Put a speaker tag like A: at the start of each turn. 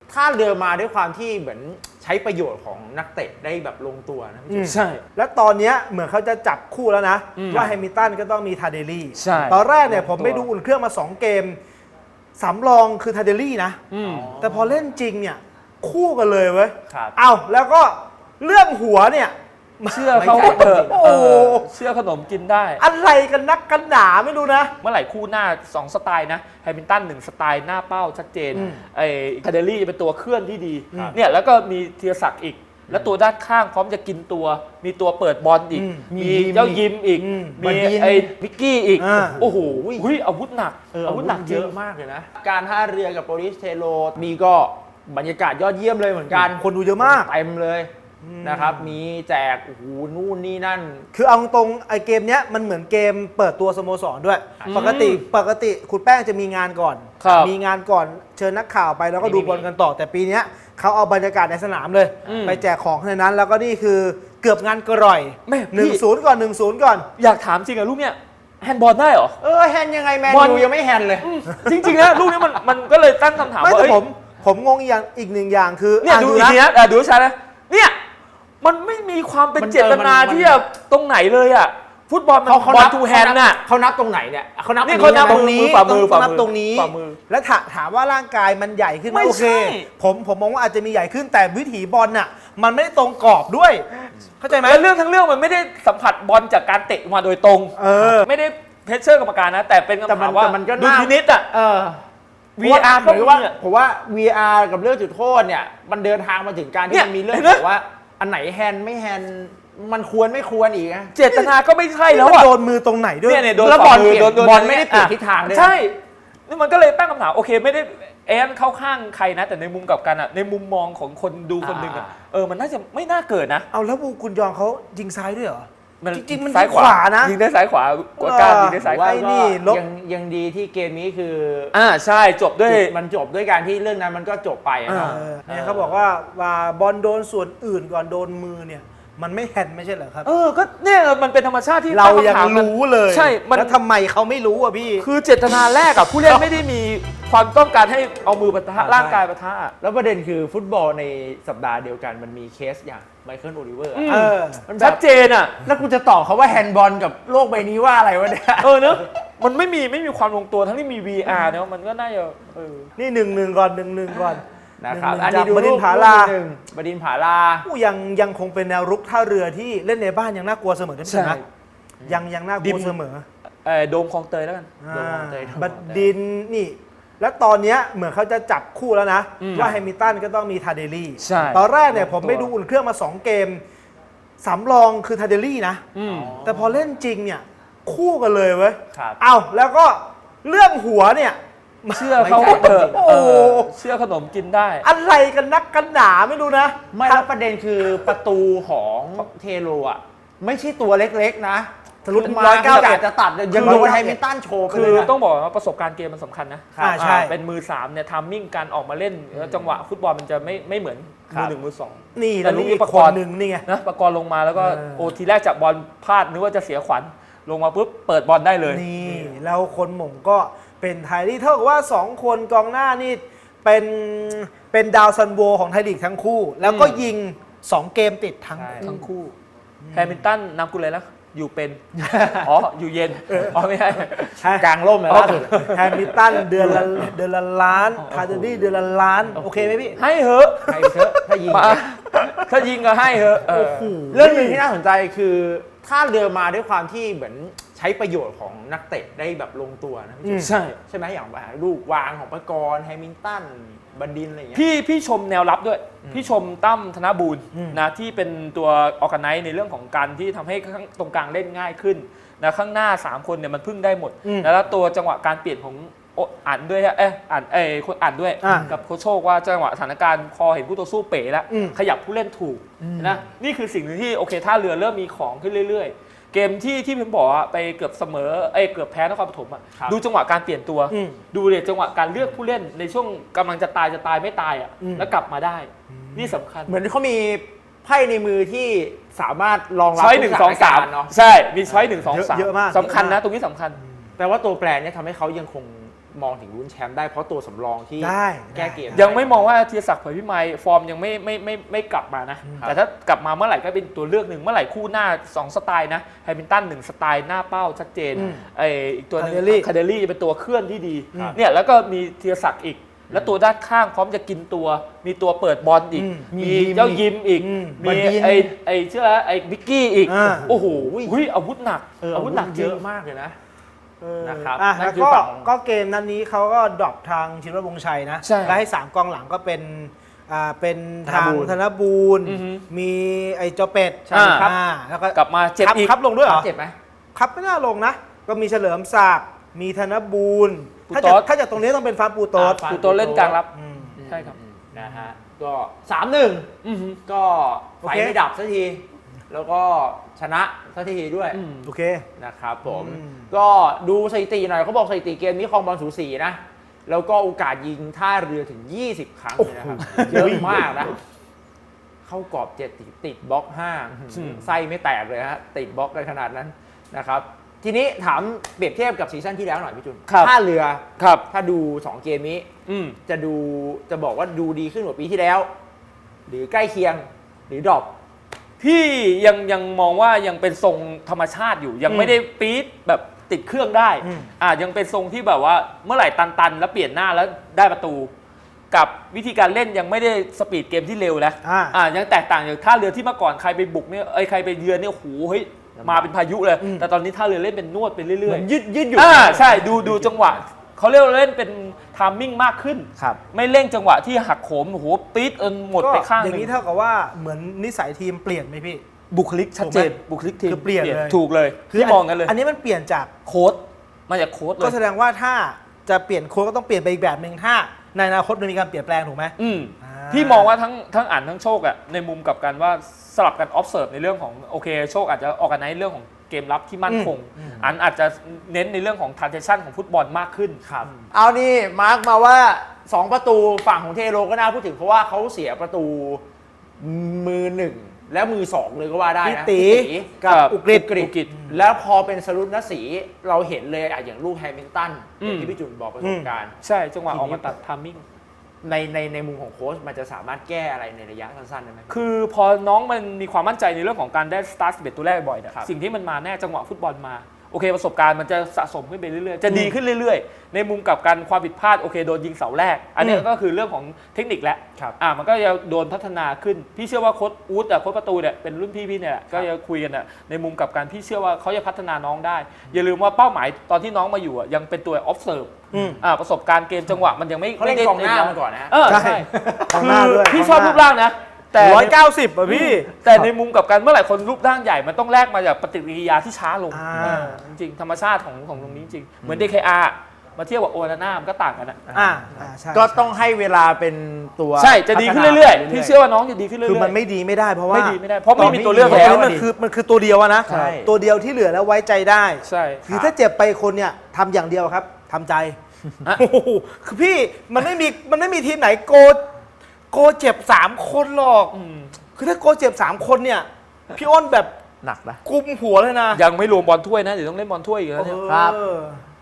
A: ท่าเรือมาด้วยความที่เหมือนใช้ประโยชน์ของนักเตะได้แบบลงตัวนะพี่
B: ใช่
C: แล้วตอนนี้เหมือนเขาจะจับคู่แล้วนะว่าแฮมิลตันก็ต้องมีทาเดลี่ตอนแรกเนี่ยผมไปดูอุ่นเครื่องมา2เกมสำรองคือทาเดลี่นะแต่พอเล่นจริงเนี่ยคู่กันเลยเว้ยเอาแล้วก็เรื่องหัวเนี่ย
B: เชื่อเขาเถอะเชื่อขนมกินได้
C: อะไรกันนักกันหนาไม่รู้นะ
B: เมื่อไหร่คู่หน้า2สไตล์นะแฮมิลตัน1สไตล์หน้าเป้าชัดเจนไอ้คาเดลี่เป็นตัวเคลื่อนที่ดีเนี่ยแล้วก็มีธีรศักดิ์อีกแล้วตัวด้านข้างพร้อมจะกินตัวมีตัวเปิดบอลอีกมีเจ้ายิมอีกมีไอ้พิกกี้อีกโอ้โหอาวุธหนักอาวุธหนักเยอะมากเลยนะ
A: การท่าเรือกับโปลิสเทโรมีก็บรรยากาศยอดเยี่ยมเลยเหมือนกัน
C: คนดูเยอะมาก
A: เต็มเลยนะครับมีแจกโอ้โหนู่นนี่นั่น
C: คือเอาตรงไอเกมเนี้ยมันเหมือนเกมเปิดตัวสโมสรด้วยปกติคุณแป้งจะมีงานก่อนมีงานก่อนเชิญนักข่าวไปแล้วก็ดูบอลกันต่อแต่ปีนี้เขาเอาบรรยากาศในสนามเลยไปแจกของในนั้นแล้วก็นี่คือเกือบงานกระร่อย1-0 ก่อน1-0 ก่อน
B: อยากถามจริงอะลูกเนี้ยแฮนด์บอลได้เหรอ
A: แฮนด์ยังไงแมนยูยังไม่แฮนด์เลย
B: จริงๆนะลูกนี้มันก็เลยตั้งคำถามว่า
C: ผมงงอีกหนึ่งอย่างคือ
B: เนี่ยดูอีกทีนะดูชัดนะเนี่ยมันไม่มีความเป็นเจตนาที่จะตรงไหนเลยอ่ะฟุตบอลมันบอลทูแฮนด์น่ะ
A: เขานับตรงไหนเนี่ยเขานับ
C: ตรงนี้ฝ่ามือตรงนี้แล้วถามว่าร่างกายมันใหญ่ขึ้นไหมโอเคผมมองว่าอาจจะมีใหญ่ขึ้นแต่วิถีบอลน่ะมันไม่ได้ตรงกรอบด้วยเข้าใจไหม
B: เรื่องทั้งเรื่องมันไม่ได้สัมผัสบอลจากการเตะมาโดยตรงไม่ได้เพชเชอร์กรรมการนะแต่เป็นคำถามว่าดูพินิจอ่ะ
A: VR ผมว่า VR กับเรื่องจุดโทษเนี่ยมันเดินทางมาถึงการที่มันมีเรื่องแบบว่าอันไหนแฮนด์ไม่แฮนด์มันควรไม่ควรอีกนะ
B: เจตนาก็ไม่ใช่แล้ว
C: โดนมือตรงไหนด้วย
B: เนี่ยโดนบอลไม่ได้เปลี่ยนทิศทางเลยใช่นี่มันก็เลยตั้งคำถามโอเคไม่ได้เข้าข้างใครนะแต่ในมุมกับกันอ่ะในมุมมองของคนดูคนหนึ่งอ่ะมันน่าจะไม่น่าเกิดนะ
C: เอาแล้วคุณยองเขายิงซ้ายด้วยเหรอจริงๆมัน
B: ซ้ายขวานะยิงได้ซ้ายขวากว่าการยิงได้ซ้ายขวา
A: นี่ยังดีที่เกมนี้คือ
B: ใช่จบด้วย
A: มันจบด้วยการที่เรื่องนั้นมันก็จบไป
C: เนี่ยเขาบอกว่าบอลโดนส่วนอื่นก่อนโดนมือเนี่ยมันไม่แฮนด์ไม่ใช่เหรอครับ
B: ก็เนี่ยมันเป็นธรรมชาติที่
C: เรายังรู้เลย
B: ใช่
C: แล้วทำไมเขาไม่รู้อ่ะพี่
B: คือเจตนาแรกกับผู้เล่นไม่ได้มีความต้องการให้เอามือปะทะร่างกายปะทะ
A: แล้วประเด็นคือฟุตบอลในสัปดาห์เดียวกันมันมีเคสอย่างไมเคิลโอลิเวอร์
B: มันชัดเจนอ่ะ
A: แล้วกูจะตอบเขาว่าแฮนด์บอลกับโลกใบนี้ว่าอะไรวะเนี่ย
B: เนอะมันไม่มีความลงตัวทั้งที่มี VR เนอะมันก็น่าจะ
C: นี่1-1 ก่อน1-1 ก่อน
A: นะครับอันนี้ดูบดินผาลาบดินผาลา
C: ยังคงเป็นแนวรุกท่าเรือที่เล่นในบ้านยังน่ากลัวเสมอใช่ไหมยังน่ากลัวเสมอ
B: โดมคลองเตยแล้วกัน
C: บดินนี่แล้วตอนนี้เหมือนเขาจะจับคู่แล้วนะว่าแฮมิลตันก็ต้องมีทาเดลี่ตอนแรกเนี่ยผมไปดูอุ่นเครื่องมา2เกมสำรองคือทาเดลี่นะแต่พอเล่นจริงเนี่ยคู่กันเลยเว้ยเอาแล้วก็เรื่องหัวเนี่ย
B: เชื่อเขาเถอะเชื่อขนมกินได้
C: อะไรกันนักกันหนาไม่รู้นะ
A: ไม่แล้วประเด็นคือประตูของเทโรอ่ะไม่ใช่ตัวเล็กๆนะ
C: ทะลุ
A: 190จะตัดยังโดนแฮมิลตันโชว์
B: คือต้องบอกว่าประสบการณ์เกมมันสำคัญนะ
C: ใช่
B: เป็นมือ3เนี่ยทัมมิ่งการออกมาเล่นจังหวะฟุตบอลมันจะไม่เหมือนมือ1มือ2
C: นี่แต่ลูกประกรณ์หนึ่งนี่ไง
B: นะประกรณ์ลงมาแล้วก็ทีแรกจับบอลพลาดนึกว่าจะเสียขวัญลงมาปุ๊บเปิดบอลได้เลย
C: นี่แล้วคนหม่งก็เป็นไทยลีกเท่ากับว่า2คนกองหน้านี่เป็นดาวซันโวของไทยลีกทั้งคู่แล้วก็ยิง2เกมติดทั้งคู่
B: แฮมิลตันนำกูเลยแล้วอยู่เป็นอยู่เย็นไม่ใช่
A: กลางร่มเลยล่าสุด
C: แฮมิลตันเดือนละล้านคาร์เดนี่เดือนละล้านโอเคไหมพี่
B: ให้เหอะถ้ายิงก็ให้เหอะ
A: เรื่องนึงที่น่าสนใจคือท่าเรือมาด้วยความที่เหมือนใช้ประโยชน์ของนักเตะได้แบบลงตัวนะใช่ไหมอย่างลูกวางของประกรณ์แฮมิลตันบันดินอะไรอย่างเงี้ย
B: พี่ชมแนวรับด้วยพี่ชมตั้มธนบูรณ์นะที่เป็นตัวออร์แกไนซ์ในเรื่องของการที่ทำให้ตรงกลางเล่นง่ายขึ้นนะข้างหน้า3คนเนี่ยมันพึ่งได้หมดแล้วตัวจังหวะการเปลี่ยนของอ่านด้วยคนอ่านด้วยกับโคชโชคว่าจังหวะสถานการณ์พอเห็นผู้ต่อสู้เป๋แล้วขยับผู้เล่นถูกนะนี่คือสิ่งที่โอเคท่าเรือเริ่มมีของขึ้นเรื่อยๆเกมที่ผมบอกไปเกือบเสมอเกือบแพ้นครปฐมดูจังหวะการเปลี่ยนตัวดูเลยจังหวะการเลือกผู้เล่นในช่วงกำลังจะตายไม่ตายแล้วกลับมาได้นี่สำคัญ
A: เหมือนเขามีไพ่ในมือที่สามารถรองรับ
B: ช้อย1 2 3เนาะใช่มีช้อย1 2 3
C: เยอะมาก
B: สำคัญนะตรงนี้สำคัญ
A: แต่ว่าตัวแปรเนี่ยทำให้เขายังคงมองถึงลุ้นแชมป์ได้เพราะตัวสำรองที่
C: ได้
A: แก้เกม
B: ยังไม่มองว่าธีรศักดิ์เผยพิมายฟอร์มยังไม่กลับมานะ แต่ถ้ากลับมาเมื่อไหร่ก็เป็นตัวเลือกหนึ่งเมื่อไหร่คู่หน้า 2 สไตล์นะแฮมิลตัน1 สไตล์หน้าเป้าชัดเจนอีกตัวหนึงคาเดลี่เป็นตัวเคลื่อนที่ดีเนี่ยแล้วก็มีธีรศักดิ์อีก แล้วตัวด้านข้างพร้อมจะกินตัวมีตัวเปิดบอลอีกมีเจ้ายิมอีกมีไอ้เชื่อไอ้บิกกี้อีกโอ้โหอาวุธหนักอาวุธหนักเยอะมากเลยนะนะครับ
C: แล้วก็เกมนั้นนี้เขาก็ดรอปทางชินวัตรวงศ์ชัยนะแล้วให้3กองหลังก็เป็นทางธนบูรณ์มีไอ้เจ้าเป็ดแล้วก็
B: กลับมาเจ็บอีก
C: ครับลงด้วยเหรอ
A: เจ็บไหม
C: ครับไม่น่าลงนะ ก็มีเฉลิมศักดิ์มีธนบูรณ์ถ้าจากตรงนี้ต้องเป็นฟ้าปูโต๊ด
B: ปูโตเล่นกลางรับใช่ครับ
A: นะฮะก็ 3-1 ก็ไฟไม่ดับสักที แล้วก็ชนะสักทีด้วย
C: โอเค
A: นะครับผมก็ดูสถิติหน่อยเขาบอกสถิติเกมนี้ครองบอลสูสีนะ แล้วก็โอกาสยิงท่าเรือถึง 20 ครั้งเลยนะครับ เยอะมากนะ เข้ากรอบ7ติดบล็อก5ไส้ไม่แตกเลยฮะติดบล็อกกันขนาดนั้นนะครับทีนี้ถามเปรียบเทียบกับซีซั่นที่แล้วหน่อยพี่จุนท่าเรือถ้าดู 2 เกมนี้จะบอกว่าดูดีขึ้นกว่าปีที่แล้ว หรือใกล้เคียงหรือดรอป
B: พี่ยังมองว่ายังเป็นทรงธรรมชาติอยู่ยังไม่ได้ปี๊ดแบบติดเครื่องได้ยังเป็นทรงที่แบบว่าเมื่อไหร่ตันแล้วเปลี่ยนหน้าแล้วได้ประตู กับวิธีการเล่นยังไม่ได้สปีดเกมที่เร็วนะยังแตกต่างจากท่าเรือที่เมื่อก่อนใครไปบุกเนี่ยใครไปเยือนเนี่ยโอ้โหเฮ้ยมาเป็นพายุเลยแต่ตอนนี้ท่าเรือเล่นเป็นนวดไปเรื่อย
A: ๆยืดอยู่
B: ใช่ดูจังหวะเขาเรียกว่าเล่นเป็นไทามมิ่งมากขึ้นไม่เร่งจังหวะที่หักโหมโอ้โหปี๊ดหมดไปข้างนึง
C: อย่างนี้เท่ากับว่าเหมือนนิสัยทีมเปลี่ยนไหมพี่
B: บุคลิกชัดเจนบุคลิกทีม
C: เปลี่ยนเลย
B: ถูกเลยที่มองกันเลย
C: อันนี้มันเปลี่ยนจาก
B: โค้ดมาจากโค้ดเลย
C: ก็แสดงว่าถ้าจะเปลี่ยนโค้ดก็ต้องเปลี่ยนไปอีกแบบหนึ่งถ้าในอนาคตมันมีการเปลี่ยนแปลงถูกไหม
B: พี่มองว่าทั้งอ่านทั้งโชคอะในมุมกับการว่าสลับกัน observe ในเรื่องของโอเคโชคอาจจะออกกันในเรื่องของเกมรับที่มั่นคงอันอาจจะเน้นในเรื่องของ transition ของฟุตบอลมากขึ้น
A: ครับเอานี่มาร์กมาว่า2ประตูฝั่งของเทโรก็น่าพูดถึงเพราะว่าเขาเสียประตูมือ1และมือ2เลยก็ว่าได้นะ
C: ตีกับอุกฤษ
A: แล้วพอเป็นสรุปนสีเราเห็นเลยอย่างลูกแฮมิลตันที่พี่จุนบอกประสบการณ์
B: ใช่จังหวะออกมาตัด timing
A: ในมุมของโค้ชมันจะสามารถแก้อะไรในระยะสั้นๆได้ไหม
B: คือพอน้องมันมีความมั่นใจในเรื่องของการได้สตาร์ท11ตัวแรกบ่อยนะสิ่งที่มันมาแน่จังหวะฟุตบอลมาโอเคประสบการณ์มันจะสะสมขึ้นไปเรื่อยๆจะดีขึ้นเรื่อยๆในมุมกับการความผิดพลาดโอเคโดนยิงเสาแรกอันนี้ก็คือเรื่องของเทคนิคแล้วมันก็จะโดนพัฒนาขึ้นพี่เชื่อว่าโค้ชอู๊ดโค้ชประตูเนี่ยเป็นรุ่นพี่เนี่ยก็จะคุยกันในมุมกับการพี่เชื่อว่าเขาจะพัฒนาน้องได้อย่าลืมว่าเป้าหมายตอนที่น้องมาอยู่ยังเป็นตัว observeประสบการณ์เกมจังหวะมันยังไม่
A: ได้กองหน้ามาก่อนนะ
B: ใช่คือพี่ชอบรูปร่างนะแต่
C: 190อ่ะพี่
B: แต่ในมุมกับการเมื่อไหร่คนรูปร่างใหญ่มันต้องแลกมาจากปฏิกิริยาที่ช้าลงจริงธรรมชาติของตรงนี้จริงเหมือน DKR มาเทียบกับโอนาน่ามันก็ต่างกันนะ
A: ก็ต้องให้เวลาเป็นตัว
B: ใช่จะดีขึ้นเรื่อยๆพี่เชื่อว่าน้องจะดีขึ้นเรื่อยๆ
C: คือมันไม่ดีไม่ได้เพราะว่า
B: เพราะไม่มีตัวเลือกแล้ว
C: มันคือตัวเดียวนะตัวเดียวที่เหลือแล้วไว้ใจได้
B: ใช่
C: คือถ้าเจ็บไปคนเนี่ยทำอย่างเดียวครับทำใจคือพี่มันไม่มีทีมไหนโกเจ็บ3คนหรอกคือถ้าโกเจ็บ3คนเนี่ยพี่อ้นแบบ
A: หนักนะ
C: กุมหัวเลยนะ
B: ยังไม่รวมบอลถ้วยนะเดี๋ยวต้องเล่นบอลถ้วยอีกแล้วเนี่ย
A: ครับ